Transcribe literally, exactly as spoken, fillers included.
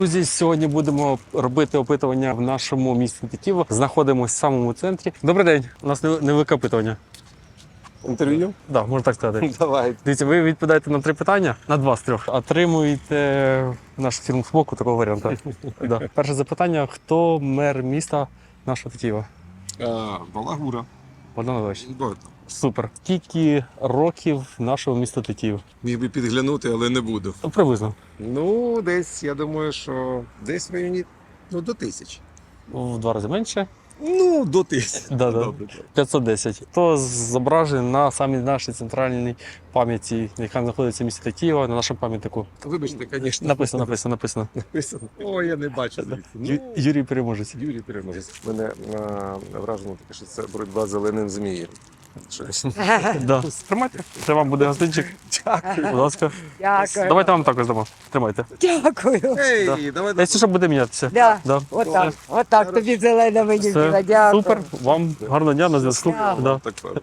Друзі, сьогодні будемо робити опитування в нашому місті Тетіїво. Знаходимося в самому центрі. Добрий день, у нас невелике опитування. Інтерв'ю? Так, да, можна так сказати. Давай. Дивіться, ви відповідаєте на три питання, на два з трьох. Отримуєте нашу фірму смоку, такого варіанту. Да. Перше запитання: хто мер міста нашого Тетіїва? Балагура. Богдан Іванович. Бо Супер. Скільки років нашого міста Тетіїв? міг би підглянути, але не буду. Ну, приблизно. Ну, десь, я думаю, що десь в районі, ну, до тисячі. В два рази менше. Ну, до тисячі. Да, да. Добре, добре. п'ятсот десять. То зображений на самій нашій центральній пам'яті, яка знаходиться в місті Тетіїва, на нашому пам'ятнику. Вибачте, звісно. Написано, написано, написано. Написано. О, я не бачу. звідси. Ю- Ну, Юрій Переможець. Юрій Переможець. Мене а, вражено таке, що це боротьба з зеленим змієм. Щось. Да. Тримайте. Це вам буде гостинчик. Дякую. Будь ласка. Дякую. Давайте вам також дамо. Тримайте. Дякую. Ей, Да. давай. Якщо що, буде мінятися. Да. Да. Отак, отак тобі зелена мені Все. біла. Дякую. Супер. Вам гарного дня на зв'язку. Дякую. Да. Так,